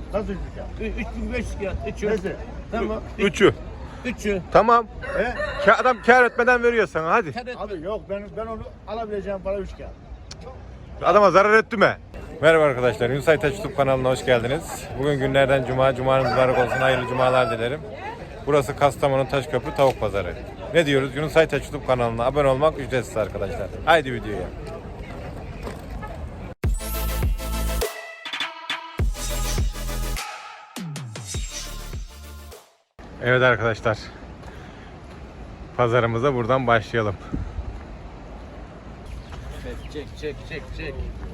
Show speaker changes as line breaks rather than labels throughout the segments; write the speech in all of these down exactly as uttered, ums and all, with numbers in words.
Nasıl üç kağıt?
üç bin beş yüz kağıt. Üçü.
Neyse.
Tamam.
Üçü.
Üçü.
Tamam.
He?
Ka- Adam kâr etmeden veriyor sana hadi.
Kağıt.
Abi yok ben ben onu alabileceğim para üç kağıt.
Adama zarar etti mi? Merhaba arkadaşlar. Yunus Aytaç YouTube kanalına hoş geldiniz. Bugün günlerden cuma. Cumanız mübarek olsun. Hayırlı cumalar dilerim. Burası Kastamonu Taşköprü Tavuk Pazarı. Ne diyoruz? Yunus Aytaç YouTube kanalına abone olmak ücretsiz arkadaşlar. Haydi videoya. Evet arkadaşlar. Pazarımıza buradan başlayalım.
Çek çek çek çek.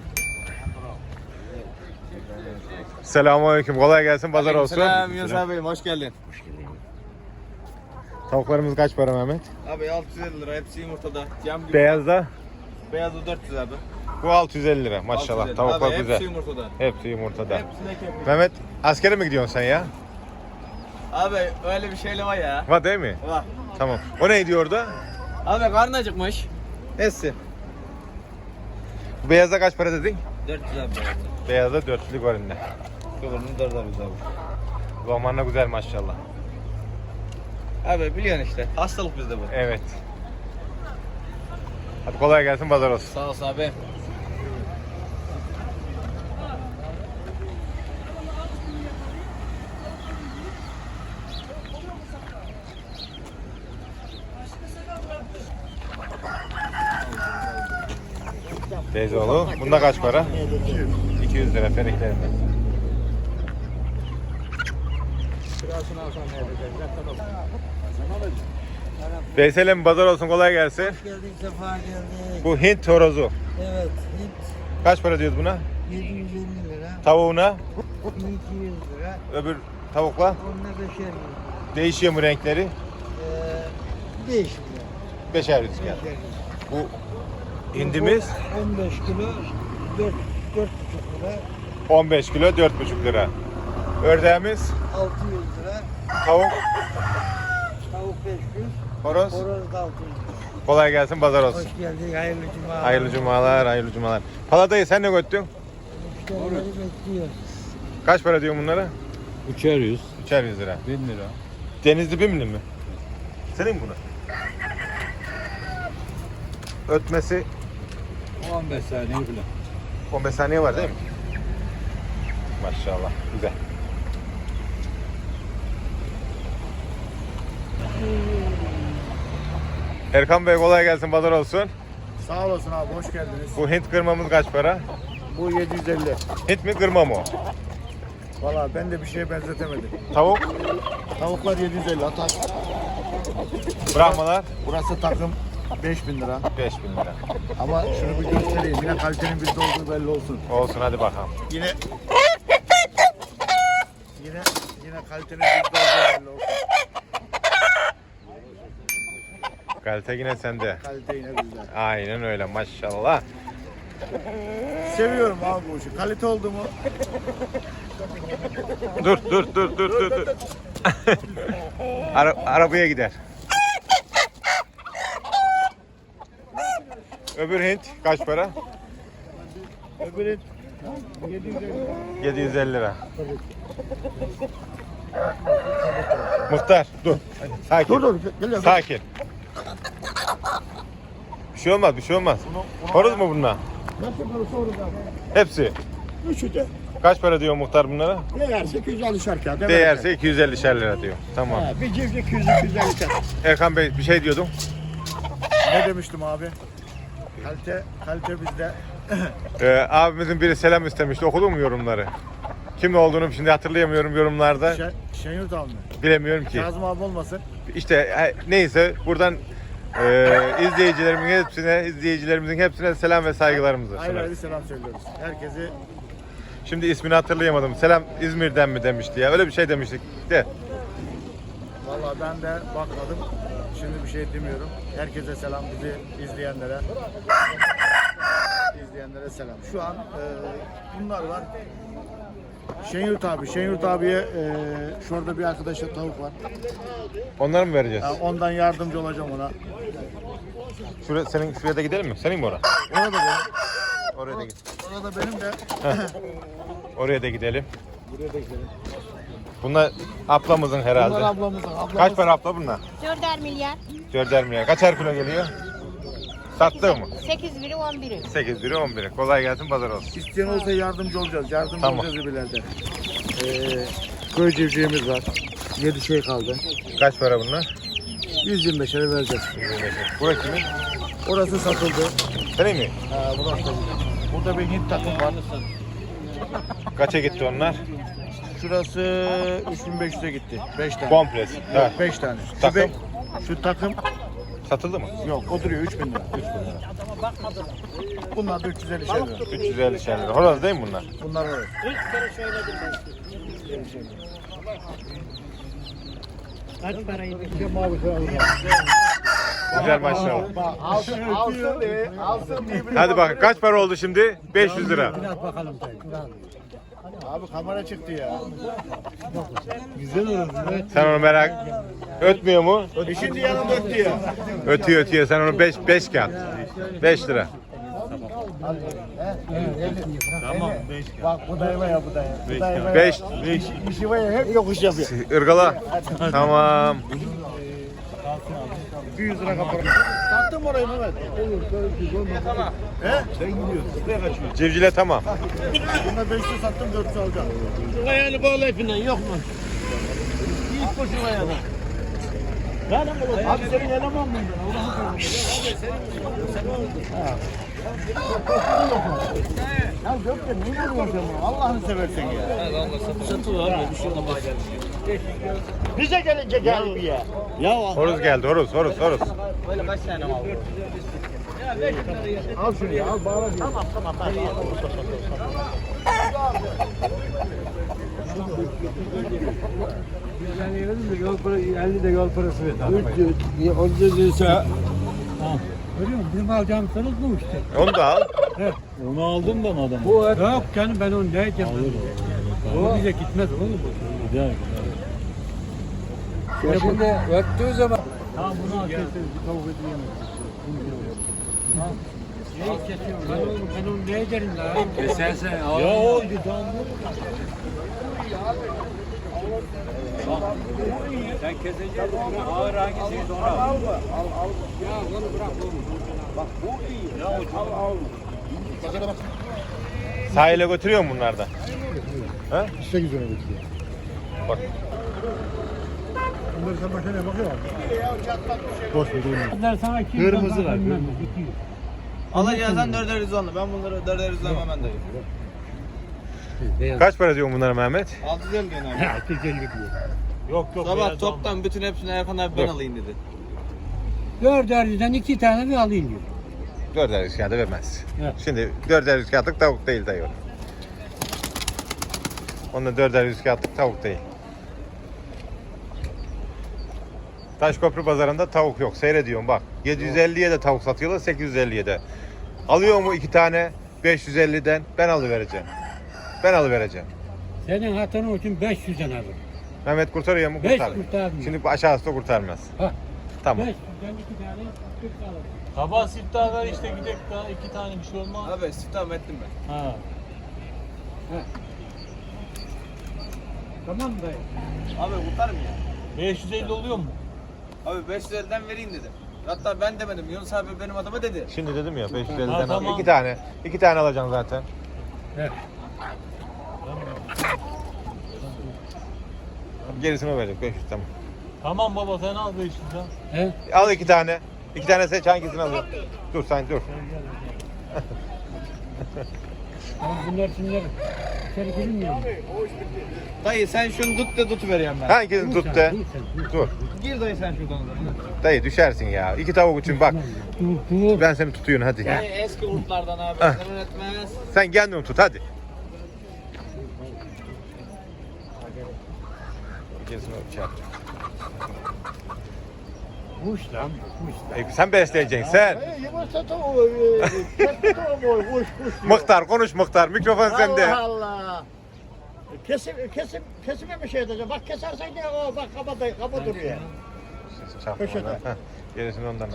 Selamünaleyküm. Kolay gelsin. Pazar olsun.
Selam Yunus abi, hoş geldin.
Tavuklarımız kaç para Mehmet?
Abi altı yüz elli lira, hepsi yumurtada. Cam gibi.
Beyazda
Beyazı dört yüz abi.
bu altı yüz elli lira. Maşallah.
altı yüz elli.
Tavuklar
abi,
güzel.
Hepsi yumurtada.
Hepsi yumurtada.
Hepsine kepli.
Mehmet askere mi gidiyorsun sen ya?
Abi öyle bir şeyle var ya.
Var değil mi?
Var.
Tamam. O ne diyor orada?
Abi karnın acıkmış. Hepsi.
Bu beyaza kaç para dedin?
dört yüz abi.
Beyazda dörtlük var elinde.
Kıvırını dört yüz abi.
Zamanla güzel maşallah.
Abi biliyorsun işte. Hastalık bizde bu.
Evet. Hadi kolay gelsin, pazar olsun.
Sağ ol abi.
Teyzeoğlu. Bunda kaç para? iki yüz lira feriklerinde. Veysel'im pazar olsun, kolay gelsin.
Geldik, sefa geldik.
Bu Hint horozu.
Evet, Hint
Kaç para diyoruz buna?
yedi yüz elli lira,
Tavuğuna,
iki yüz lira,
öbür tavukla.
onunla beşer lira.
Değişiyor mu renkleri?
Ee, değişik lira.
Beşer yüz kağıt.
Beşer lira.
Bu hindimiz
on beş kilo, dört, dört buçuk lira,
on beş kilo dört buçuk lira. Ördeğimiz
altı yüz lira,
tavuk,
tavuk beş yüz,
horoz.
horoz da altı yüz lira.
Kolay gelsin, pazar olsun.
Hoş geldik, hayırlı cuma.
Hayırlı cumalar, hayırlı cumalar. Paladayı sen ne göttün?
Müşterileri bekliyoruz.
Kaç para diyorsun bunlara?
Üçer yüz.
Üçer yüz lira.
Bin lira.
Denizli bimli mi? Senin mi buna? Ötmesi
on beş saniye bile.
on beş saniye var değil mi? Maşallah, güzel. Erkan Bey kolay gelsin, pazar olsun.
Sağ olasın abi hoş geldiniz.
Bu Hint kırmamız kaç para?
Bu yedi yüz elli.
Hint mi kırma mı?
Valla ben de bir şeye benzetemedim.
Tavuk,
Tavuklar yedi yüz elli atak.
Brahmalar
Burası takım beş bin lira.
beş bin lira.
Ama şunu bir göstereyim. Yine kalitenin bizde olduğu belli olsun.
Olsun hadi bakalım.
Yine Yine yine kalitenin bizde olduğu belli olsun.
Kalite yine sende.
Kalite yine bizde.
Aynen öyle maşallah.
Seviyorum abi bu işi. Kalite oldu mu?
Dur dur dur dur dur. dur. Ara, arabaya gider. Öbür Hint kaç para?
Öbürü yedi yüz elli.
yedi yüz elli lira. Muhtar dur. Sakin.
Dur dur geliyorum.
Sakin. Bir şey olmaz, bir şey olmaz. Horoz mu bunlar?
Nasıl parası olur abi?
Hepsi.
Üçü de.
Kaç para diyor muhtar bunlara?
Değerse iki yüz elli şarkı.
Değerse iki yüz elli lira diyor. Tamam.
Ha, bir civciv iki yüz iki yüz elli şarkı.
Erkan Bey bir şey diyordum.
Ne demiştim abi? Kalite, kalite bizde.
Ee, abimizin biri selam istemişti. Okudun mu yorumları? Kim olduğunu şimdi hatırlayamıyorum yorumlarda.
Şen, Şenyurt abi mi?
Bilemiyorum ki.
Kazım abi olmasın.
İşte e, neyse buradan e, izleyicilerimin hepsine, izleyicilerimizin hepsine selam ve saygılarımızı
Ayrı
sunarız.
ayrı selam söylüyoruz. Herkesi
Şimdi ismini hatırlayamadım. Selam İzmir'den mi demişti ya? Öyle bir şey demiştik de.
valla ben de bakmadım. Şimdi bir şey demiyorum. Herkese selam, bizi izleyenlere. izleyenlere selam. Şu an e, bunlar var. Şenyurt abi, Şenyurt abiye e, şurada bir arkadaşa tavuk var.
Onları mı vereceğiz?
Ya ondan yardımcı olacağım ona.
Şuraya, senin şuraya da gidelim mi? Senin mi orası?
Ona da benim.
Oraya da git.
Ona da benim de.
Oraya da gidelim. Bunlar ablamızın herhalde.
Bunlar ablamızın. Ablamız.
Kaç para abla bunlar?
Dörder milyar.
Dörder milyar. Kaçar kilo geliyor? Sattığı mı?
Sekiz biri on biri.
sekiz biri on biri. Kolay gelsin, pazar olsun.
İsteyen olsa yardımcı olacağız. Yardımcı
Tamam.
olacağız ileride. Ee, köy civcivimiz var. yedi şey kaldı.
Kaç para bunlar?
yüz yirmi beşe vereceğiz.
Burası kimin?
Orası satıldı.
Senin mi?
Ha, burası da güzel. Burada bir Hint takım var.
Kaça gitti onlar?
Şurası üç bin beş yüze gitti. beş tane.
Komplesi.
Yok,
Ha.
beş tane. Şu,
Takım?
be- şu takım
Satıldı mı?
yok, o duruyor üç bin lira.
üç bin lira.
Bunlar da üç yüz elli şey lira.
üç yüz elli şey lira. Horoz değil mi bunlar?
Bunlar var.
Kaç paraydı?
Güzel maşallah.
Alsın, alsın diye, alsın diye.
Hadi bak, kaç para oldu şimdi? beş yüz lira.
Biraz bakalım dayı.
Abi kamera çıktı ya.
Sen onu merak... Ötmüyor mu?
E şimdi yanım öttü ya.
Ötüyor ötüyor. Sen onu beş beş kağıt. beş lira.
Tamam. Bak bu dayıma ya bu dayı. Bu dayıma ya.
beş.
İşi var ya hep yokuş yapıyor.
Irgala. Tamam.
yüz lira kapalı. Sattım orayı Mehmet. Tamam. He? Sen gidiyorsun. Buraya kaçıyorsun.
Civcile tamam.
Bunda beş yüz sattım dört yüz alacağım.
Ayağını bağla ipinden yok mu? İlk boşuna ayağını.
Abi senin eleman mıydın? Ya Gökçe niye vuruyorsun sen? Allah'ını seversen ya. Bize gelince gel bir ya.
Horoz geldi. Horoz, horoz, horoz.
Al şunu ya, al bağla. Tamam tamam.
Yani yol parası, elli de yol parası ver. Onca diyorsa... Görüyor musun? Bizim alacağım sanız bu işte.
Onu da al.
Onu aldım ben adamı.
Bu yok canım ben onu ne edeceğim? O bize gitmez oğlum.
Güzel.
Ya şimdi öttüğü zaman... Tamam bunu al kesin. Bir tavuk edeyim. Neyi kesiyorum? Ben oğlum ben onu ne ederim la?
Kesersen al. Ya oldu tamam. Sen keseceksin. Ağır hangisiydi onu al.
Ya onu bırak oğlum.
Bak bu iyi. Ya o çok
Sahile götürüyor mu bunlardan? Ha?
sekiz lira getiriyor.
Bak.
Bunları sen makineye bakıyor musun? Boş ver oğlum.
Bunlar sana kim
Kırmızı var,
bilmem ne,
kırmızı.
bitiyor.
Alacağızdan dörder yüz onlu. Ben bunları dörder yüz almam ben dayı.
Kaç para diyor bunlara Mehmet?
altı yüz elli gene abi.
altı yüz elli diyor.
Yok yok.
Sabah toptan bütün hepsini Erkan abi ben
Yok.
alayım dedi.
Dörderliden iki tane bir alayım diyor.
Dörder yüz kağıdı vermez.
Evet.
Şimdi dörder yüz kağıtlık tavuk değil dayı o. Onda dörder yüz kağıtlık tavuk değil. Taşköprü pazarında tavuk yok. Seyrediyorum bak. yedi yüz elliye de tavuk satıyorlar, sekiz yüz elliye de. Alıyor mu iki tane beş yüz elliden? Ben alıvereceğim. Ben alıvereceğim.
Senin hatırın için beş yüzden alırım.
Mehmet kurtarıyor mu?
Beş
Kurtarmıyor.
kurtarmıyor.
Şimdi aşağısı da kurtarmaz.
Ha.
Tamam.
beş yüzden iki tane kırk alırım.
Sabah siftah ver işte gidek daha iki tane bir şey olmaz.
Abi siftah ettim ben.
Ha.
Tamam mı dayı?
Abi kurtarım ya.
beş yüz elli oluyor mu?
Abi beş yüz elliden vereyim dedim. Hatta ben demedim. Yunus abi benim adama dedi.
Şimdi dedim ya beş yüz elliden
Ha,
al.
tamam.
İki tane. İki tane alacaksın zaten.
Evet.
Gerisini o verecek beş yüz tamam.
Tamam baba sen al beş yüz al.
He?
Al iki tane. İki tane seç hangisini alıyorsun? Dur sen dur.
Tamam bunlar şimdi içeri girilmiyor mu?
Dayı sen şunu tut de tutuvereyim ben.
Hangisini tut de.
Dur sen, dur.
Dur.
Gir dayı sen şuradan.
Dayı düşersin ya. İki tavuk için bak.
Dur, dur.
Ben seni tutuyorum hadi.
Dayı eski kurtlardan abi.
Ah.
Sen etmez.
Sen kendini tut hadi. Gerisini şey yap.
Kuş lan, kuş lan.
E, sen besleyeceksin sen.
Hey, yumurta tavuğu, e, kesme tavuğu, kuş kuş diyor.
Muhtar konuş muhtar. Mikrofon sende.
Allah Allah. Kesim, kesim, kesime bir şey edeceğim. Bak kesersen ne o, bak kaba, da- kaba duruyor.
Çarpma
Köşede.
ona. Heh, gerisini ondan al.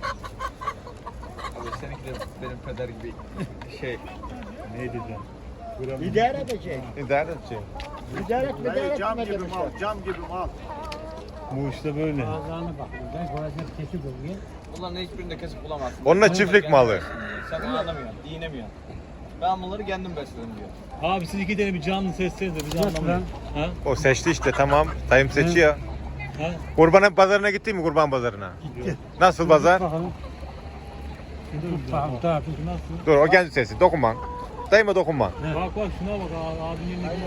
Abi seninki de benim peder gibi şey.
Ne diyeceğim? İdare edecek.
İdare edecek.
İdare et, idare
Dayı
et.
cam gibi mal, cam gibi mal.
Bu işte böyle. Ağzına bak. Ben boğazını kesip oluyor.
Bunların hiçbirinde kesip bulamazsın.
Onunla çiftlik malı.
Sen anlamıyorsun, dinlemiyorsun. Ben bunları kendim besledim diyor.
Abi siz iki tane bir canlı sesleniz de biz anlamıyoruz. Ha?
O seçti işte tamam. Dayım seçiyor.
Ha?
Kurban pazarına gittin mi kurban pazarına?
Gitti.
Nasıl pazar?
Bakalım. Tamam, tamam.
Nasıl?
Dur o kendi sesi. Dokunma. Dayıma dokunma.
Bak bak şuna bak abi, abinin yerine bak.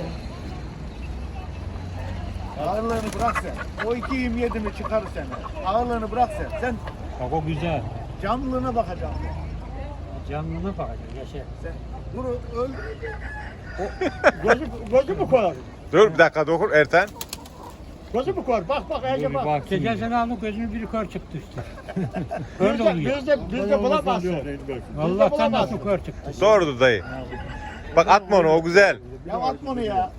Ağırlığını bırak sen. O iki yirmi yedi mi çıkarır seni. Ağırlığını bırak sen. Sen
Bak o güzel.
canlılığına bakacaksın.
Canlına bakacaksın. Yaşa.
Sen dur öl.
Gözü, gözü mü koyar?
Dur bir dakika dokun Ertan.
Gözü mü koyar? Bak bak,
Dur
iyice
bir
bak.
bak
Geçen
şimdi.
sene aldık gözünün biri kör çıktı işte. Öyle
Bizde,
oluyor.
bizde, bizde bulamazsın.
Allah'tan nasıl kör çıktı.
Doğrudur dayı. Bak atma onu o güzel.
Ya atma onu ya.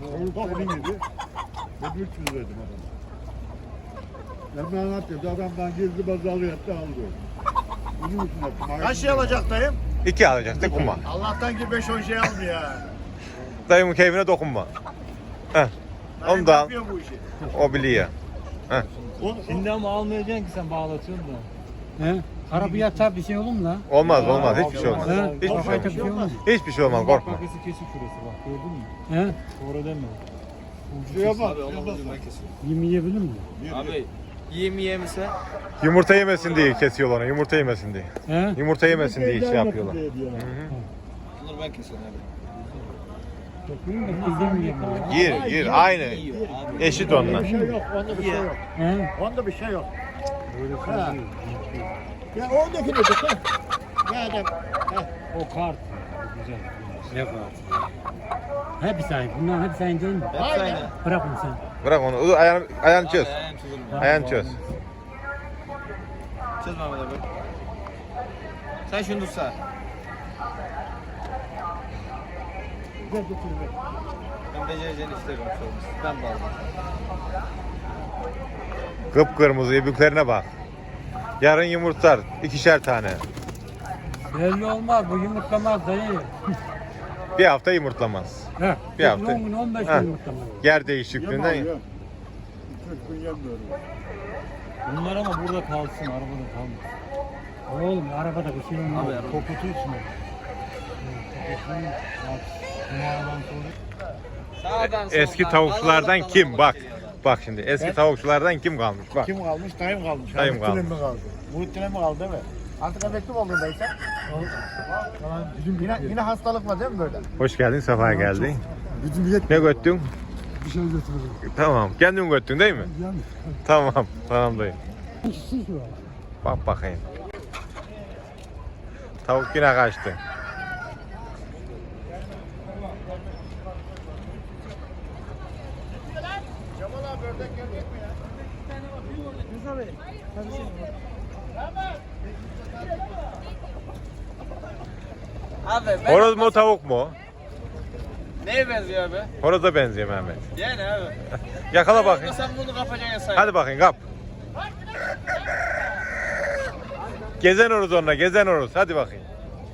Ben ben anlatıyorum. Adamdan gizli bazı alıyor, etti alıyor. Bunun için yaptım.
Kaç şey alacak dayım?
İki alacak dokunma.
Allah'tan ki beş on şey almıyor ya.
Dayımın keyfine dokunma. Heh.
Dayım
Onu da al.
yapıyor bu işi.
O biliyor.
Şimdi ama almayacaksın ki sen bağlatıyorsun da.
He? Arabaya atar bir şey olur mu lan?
Olmaz olmaz hiçbir şey olmaz.
He?
Hiçbir şey
Kafaya
olmaz.
tak bir şey olmaz.
Hiçbir şey olmaz korkma.
Bak kesik şurası bak gördün mü?
He?
Sonra deme.
Şuraya bak.
Abi olmaz ben kesiyorum.
Yemi yiyebilir mi?
Abi yiyeyim yiyeyim ise
Yumurta yemesin diye kesiyorlar onu. Yumurta yemesin diye.
He?
Yumurta yemesin diye şey yapıyorlar.
bunları ben kesiyorum abi.
İzlemiyorum ya.
Yer yer aynı.
Yiyor abi.
Eşit onunla.
Bir şey yok, onda bir şey yok.
He?
Onda bir şey yok. Ha. Ya oradakini de ha. Ya adam. Ha.
O kart. Güzel.
Ne var? Hepsi aynı. Bunların hepsi aynı değil mi?
Hepsi aynı.
Bırak onu sen.
Bırak onu. Dur, Ayağını, ayağını çöz.
Abi, ayağım çözülmüyor.
Ayağını çöz.
Çöz Mehmet abi. Sen şunu tutsa. Ben becereceğini isterim. Ben bağladım.
Kıpkırmızı ibüklerine bak. Yarın yumurtlar. ikişer tane.
Belli olmaz. Bu yumurtlamaz dayı.
Bir hafta yumurtlamaz.
He.
Bir hafta.
on gün on beş
Ha.
gün yumurtlamaz.
Yer değişikliğinden.
Yem İki üç gün yemiyorum.
Bunlar ama burada kalsın, arabada kalmasın.
Oğlum arabada bir şey olmaz.
Abi,
Kokutursun onu. Kokutursun. Bak. Bu aradan sonra.
Sağdan
Eski
soldan,
tavukçulardan
Allah'tan
kim?
Allah'a
Bak.
geliyor adam.
Bak şimdi eski tavukçulardan kim kalmış? Bak.
Kim kalmış? Dayım kalmış.
Dayım
Muhittin'im
kalmış.
mi kaldı? Muhittin'im mi kaldı değil mi? Artık emekli mi oldun dayı sen? Yine, yine hastalık var değil mi böyle?
Hoş geldin, sefa geldin.
Bizim millet
Ne göttün?
bir şey götürüyor.
Tamam. Kendin göttün değil mi?
Yani.
Tamam. Tamam dayı.
Siz var.
Bak bakayım. Tavuk yine kaçtı.
Abi ben
Horoz mu tavuk mu?
neye benziyor abi?
Horoza benziyor Mehmet.
Yani abi.
Yakala bakayım.
Sen bunu kapacaksın say.
Hadi bakayım kap. Gezen horoz onunla, gezen horoz. Hadi bakayım.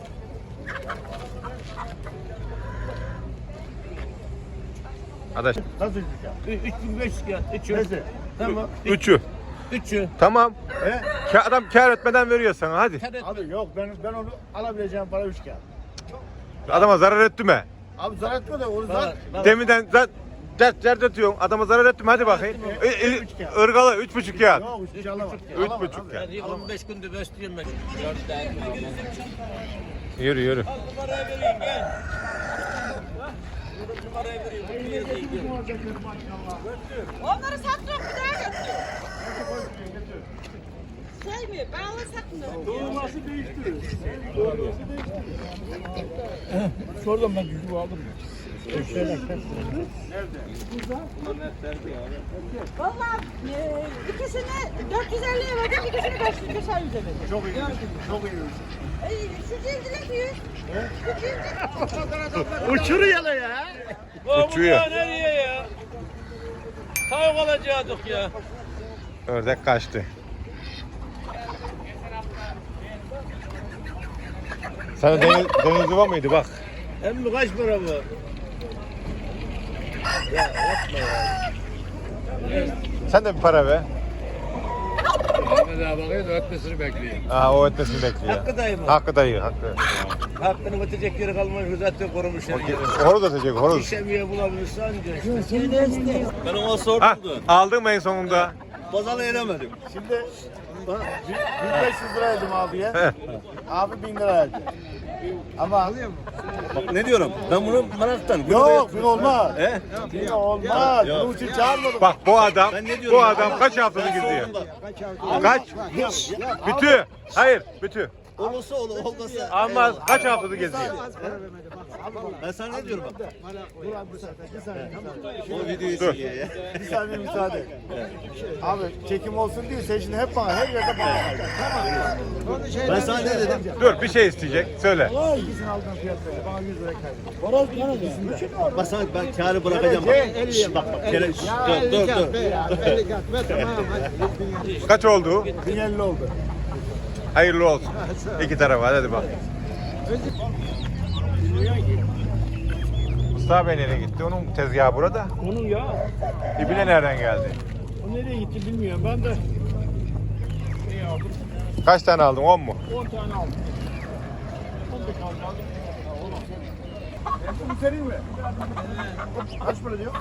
Adaş.
Nasıl çıkacak?
üç bin beş yüz kağıt. Üçü.
Neyse.
Tamam.
Üçü.
Üçü.
Tamam.
He?
Ka- adam kâr etmeden veriyor sana hadi.
Abi yok ben ben onu alabileceğim para üç kağıt.
Adama zarar etti mi?
Abi zarar etme de onu zaten.
Deminden zat dert dert atıyorsun. Adama zarar etti mi? Hadi bakayım.
Ettim,
İ- i-
üç kağıt.
Irgalı üç buçuk kağıt.
Yok üç kağıt alamam.
Üç
Alamam
buçuk
abi.
kağıt.
on beş gündür besliyorum ben.
Yürü yürü.
Onları sattık bir daha götür. Şey mi? Ben onu satmıyorum.
Şuradan ben cücüğü aldım.
Vallahi e, ikisini dört yüz elliye verdim, ikisini beş yüz beşer yüze verdim.
Çok iyi. Çok iyi.
E, şu cimcile büyük. Şu cimcile.
Uçuruyor ya.
Uçuyor.
Nereye ya? Tavuk alacaktık ya.
Ördek kaçtı. Sana deniz, deniz yuva mıydı bak.
Emmi kaç para bu? Ya yapma ya.
Sen de bir para ver.
Ahmet abi bakıyor da ötmesini bekliyor.
Aa, o ötmesini bekliyor.
Hakkı dayı mı?
Hakkı dayı, hakkı.
Hakkını ötecek yeri kalmamış. Zaten korumuş yani.
Horoz ötecek, horoz.
İşemiye bulabilirsin anca işte. Ben ona
Ha,
sordum da.
aldın mı en sonunda?
Pazarla eremedim.
Şimdi bak, bin beş yüz lira verdim abiye. Abi bin lira verdi. Ama
Bak ne diyorum? Ben bunu meraktan.
yok bin olmaz.
He?
Bin olmaz. Bunun için çağırmadım.
Bak bu adam,
Ben ne diyorum
bu
ya?
adam kaç haftadır geziyor?
Bak,
Kaç? Bütü. Hayır, bütü.
olursa olur, olmasa.
Ama kaç haftadır geziyor?
Ben sana ne diyorum bak. O
Dur.
videoyu çekiyor ya.
Bir saniye müsaade. Abi çekim olsun diye sen şimdi hep bana her yerde bana kaydı.
Ben sana ne dedim?
Dur, bir şey isteyecek. Söyle.
İkisini aldığım fiyat söyle. Bana yüz lira kaydı.
Bak sana ben kârı bırakacağım bak. Şşş, bak bak. Kere, şşş, dur dur dur.
Kaç oldu?
bin elli oldu.
Hayırlı olsun. İki tarafa, hadi bak. Mustafa Bey nereye gitti? Onun tezgahı burada.
Onun ya.
İbine nereden geldi?
O nereye gitti bilmiyorum. Ben de şey aldım.
Kaç tane aldın? on mu?
on tane aldım. on beş aldım.
Bu senin mi? Kaç para diyor?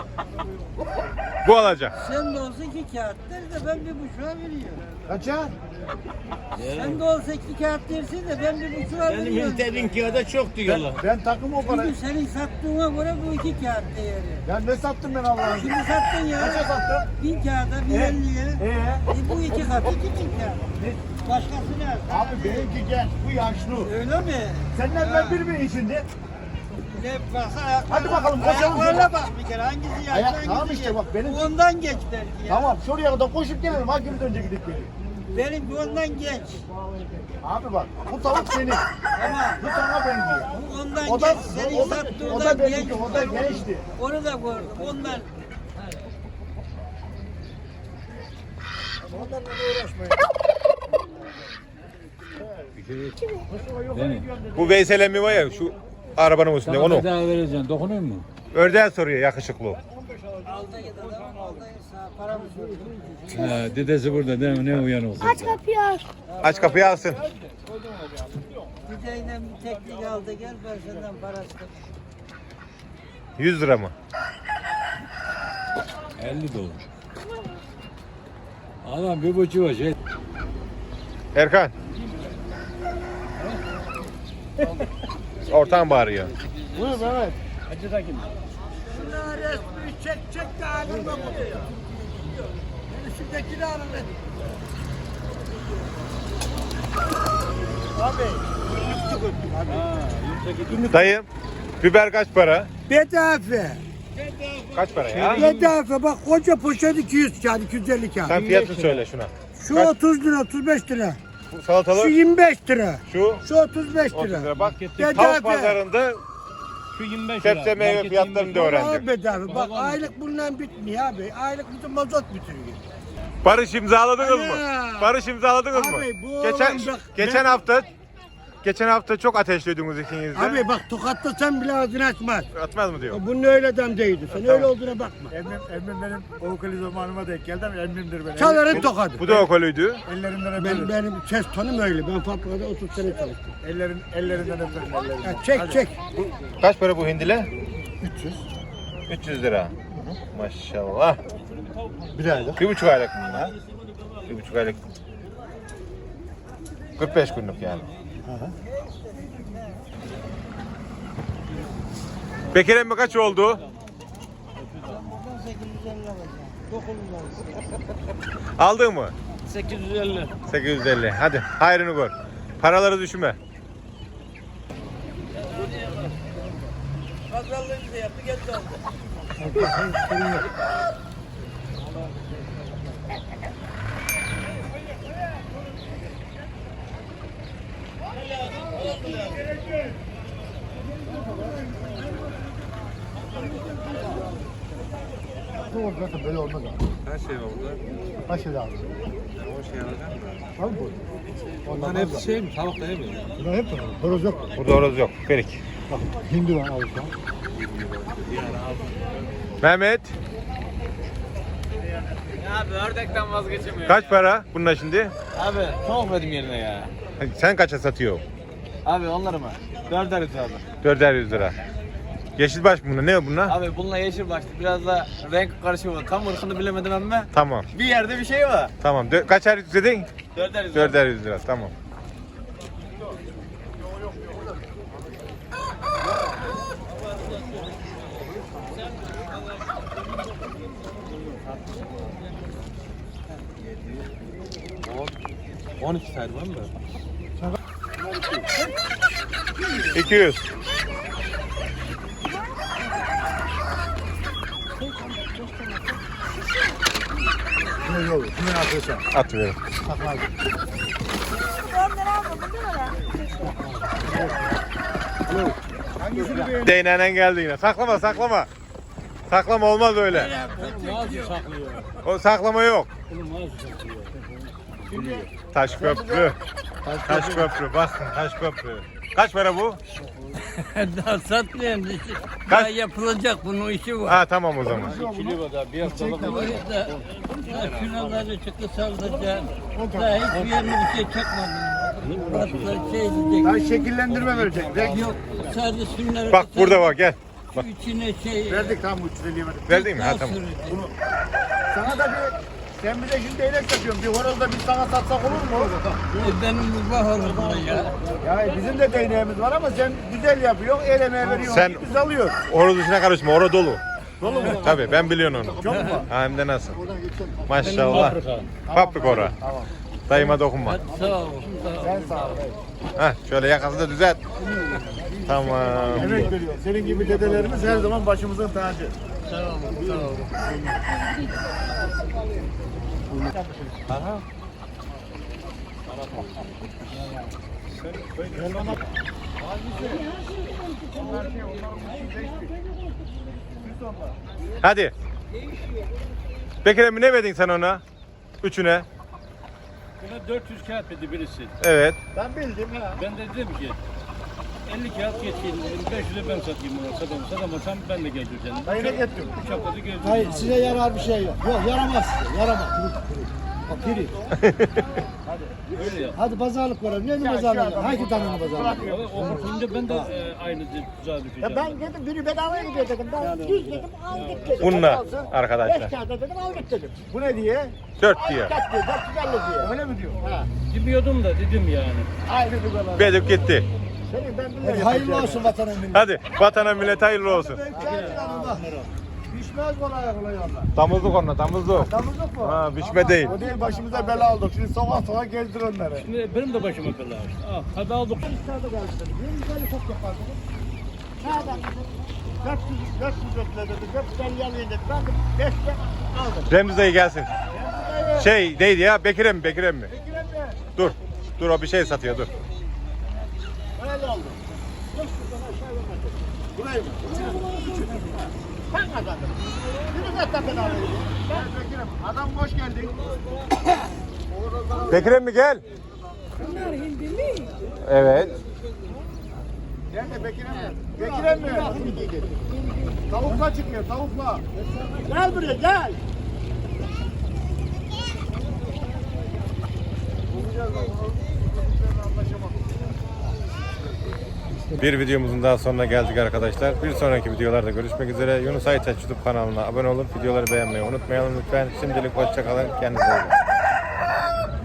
Bu alacak.
Sen de olsa iki kağıt der de ben bir buçuğa veriyorum.
Kaça?
Sen de olsa iki kağıt dersin de ben bir buçuğa
Benim
veriyorum.
internetin kağıda çok diyorlar.
Ben takım o parayı.
Çünkü senin sattığına göre bu iki kağıt değeri.
Ya ne sattım ben Allah'ın?
Şimdi sattın ya.
Kaça sattım?
Bin kağıda, bin elliye.
Ee?
E bu iki kat, iki bin kağıt. Başkası ne?
Abi benimki genç, bu yaşlı.
Öyle mi?
Senden ben bir mi işinde?
Ne baksa ayaklarına.
Hadi bakalım, koşalım.
Ayaklarına bak bir kere. Hangisi yaşlı,
Ayak-
hangisi
tamam işte bak, benim-
Bu ondan geç belki ya.
Tamam şuraya kadar koşup gelelim. Hakimiz önce gidip geliyor.
Benim bu ondan geç.
Abi bak bu tavuk senin.
Ama
Bu sana benziyor.
bu ondan
O da,
geç. Senin
o da, o
sattığından
da
geç.
benimki, o da gençti.
Onu da gördüm. Ondan.
Onlarla uğraşmayın.
Bu Veysel emmi var ya şu arabanın üstünde onu.
daha vereceksin. Dokunuyor mu?
Ördeğe soruyor yakışıklı.
Alda git adam, alda sağ paramız yok.
Ha, dedesi burada değil mi? Ne uyan olsun.
Aç kapıyı alsın.
Gideyle bir teknik aldı gel ben senden parası.
yüz lira mı?
elli dolar. Adam bir buçuğa şey.
Erkan. Ortam bağırıyor.
Buyur Mehmet.
Şuna resmi çek çek de halinde buluyor. Şuradaki de halinde.
Dayım, biber kaç para?
Bedava.
Kaç para ya?
Bedava bak koca poşet iki yüz kağıt, iki yüz elli kağıt.
Sen fiyatını söyle şuna.
Şu
kaç?
otuz lira, otuz beş lira.
Bu
Şu
salatalık
yirmi beş lira.
şu
Şu otuz beş
otuz
lira.
lira. Bak
Bedava.
tavuk pazarında
Şu yirmi beş lira.
sebze meyve fiyatlarını da
Vallahi
öğrendim.
bedava. Bak aylık bundan bitmiyor abi. Aylık bütün mazot bitiriyor.
Barış imzaladınız mı?
Ana!
Barış imzaladınız mı?
Abi, bu
Geçen
oğlum bak,
geçen
ben-
hafta geçen hafta çok ateşliyordunuz ikiniz de.
Abi bak tokatta sen bile ağzını açmaz.
Atmaz mı diyor?
Bunun öyle adam değildi. Sen öyle olduğuna bakma.
Emmim, emmim benim okuli zamanıma denk geldi ama emmimdir benim.
Çaların tokadı.
Bu da okoluydu.
Ellerinden
Ben,
öperim.
benim ses tonum öyle. Ben fabrikada otuz sene çalıştım.
Ellerin, ellerinden öperim. Ellerinden.
Ya çek çek.
Kaç para bu hindile? üç yüz. üç yüz lira. Maşallah.
Bir aylık.
Bir buçuk aylık mı bunlar? Bir buçuk aylık. kırk beş günlük yani. Bekir emmi kaç oldu?
sekiz yüz elli alacağım. Dokunma.
Aldın mı?
sekiz yüz elli.
sekiz yüz elli. Hadi hayrını gör. Paraları düşünme.
Pazarlığını da yaptı geç oldu.
Bu oldu zaten böyle olmaz abi.
Her şey var burada.
Kaç şey lazım?
O şey alacak mı?
Abi bu.
Onların hepsi şey mi? Tavuk da değil mi?
Bunlar hep var. Horoz yok.
Burada horoz yok. Perik.
Bak hindi var abi.
Mehmet
Abi ördekten vazgeçemiyorum.
kaç para bununla şimdi?
Abi tavuk verdim yerine ya.
Sen kaça satıyor?
Abi onları mı? Dörder yüz abi.
dörder yüz lira. Yeşilbaş mı bunlar? Ne bunlar?
Abi bununla yeşil başlı biraz da renk karışımı var. Tam ırkını bilemedim ama
Tamam.
bir yerde bir şey var.
Tamam. Dö- kaçar yüz dedin?
Dörder yüz.
dörder yüz lira. Tamam.
on iki saydı var mı?
iki yüz.
Şunu yol, şunu yapıyorsan.
At verin.
Onları almadın değil mi?
Hangisini beğendin?
Değnenen geldi yine. Saklama saklama. Saklama olmaz öyle.
Mağaza saklıyor.
O saklama yok.
Oğlum mağaza saklıyor.
Taş köprü. Taş köprü. Bakın taş köprü. Kaç para bu?
Daha satmayan bir şey.
Kaç?
Daha yapılacak bunun işi var.
Ha tamam o zaman.
Kilo var daha bir haftalık
O yüzden daha şuraları çıktı saldıracağım. Daha hiçbir yerine bir şey çakmadım. Hatta şey diyecek.
Daha şekillendirme verecek. Renk
Yok sadece şunları.
Bak burada bak gel.
Şu içine şey.
verdik tamam üç yüz elliye verdik.
Verdin mi? Ha
daha
tamam.
sürecek.
Sana da bir, sen bir de şimdi değnek satıyorsun. Bir horoz da biz sana satsak olur mu?
E, benim bu bahorumda ya.
Ya bizim de değneğimiz var ama sen güzel yapıyorsun, el emeği veriyorsun.
Sen-
Biz alıyoruz.
Orada dışına karışma. Orada dolu. Dolu mu? Tabii ben biliyorum onu.
Çok mu?
Ha, hem de nasıl? Maşallah. Fabrika ora.
Tamam.
Dayıma dokunma.
Hadi sağ ol. Sağ ol.
Sen sağ ol.
Heh, şöyle yakasını da düzelt. Tamam.
Emek veriyor. Senin gibi dedelerimiz her zaman başımızın tacı.
Sağ ol. Sağ ol.
Hadi. Bekir emmi ne verdin sen ona? Üçüne.
Buna dört yüz kağıt dedi birisi.
Evet.
Ben bildim ha.
Ben de dedim ki elli kağıt geçeyim dedim. beş yüze ben satayım bunu. Satamam. Satamasam ben de geleceğim.
Dayı ne getiriyor?
üç haftada geleceğim.
Hayır size yarar bir şey yok. Yok yaramaz size. Yaramaz. Bak biri.
Öyle ya.
Hadi pazarlık var. Ne mi pazarlık? Hangi tanrının pazarlık?
Ama o bakınca ben de e, aynı tuzağa düşeceğim.
Ya ben dedim biri bedavaya gidiyor dedim. Ben yüz dedim aldık dedim.
Bununla
Alsın.
arkadaşlar.
Beş kağıda dedim aldık dedim.
Bu ne diye?
Dört diyor.
Kaç diyor? Dört yüz elli diyor.
Öyle mi diyor?
Ha.
Bilmiyordum da dedim yani.
Aynı dugalar.
Bedük gitti.
Senin ben biliyorum.
Hayırlı olsun vatanın milleti.
Hadi vatana millet hayırlı olsun.
Pişmez kolay kolay onlar.
Damızlık onunla damızlık.
Damızlık mı?
Ha, biçme değil.
O değil başımıza bela aldık. Şimdi sabah sabah gezdir onları.
Şimdi benim de başıma bela işte. Ah, hadi aldık.
Güzel çok yapar dedim. Nereden dedim? dört yüz dört yüz bekle dedim. dört yüz elli elli dedim. Ben de beşte aldım.
Remzi dayı gelsin. Şey neydi ya? Bekir emmi, Bekir emmi.
Bekir emmi.
Dur. Dur o bir şey satıyor dur.
Öyle oldu. beş yüzden aşağı vermedim.
Burayı mı?
Ben kazandım. Biri zaten ben alayım.
Ben Bekir emmi. Adam hoş geldin.
Bekir emmi gel. Evet.
Nerede Bekir emmi? Bekir emmi. Tavukla çıkıyor tavukla.
Gel buraya gel.
Bir videomuzun daha sonuna geldik arkadaşlar. Bir sonraki videolarda görüşmek üzere. Yunus Aytaç YouTube kanalına abone olup videoları beğenmeyi unutmayalım lütfen. Şimdilik hoşça kalın. Kendinize iyi bakın.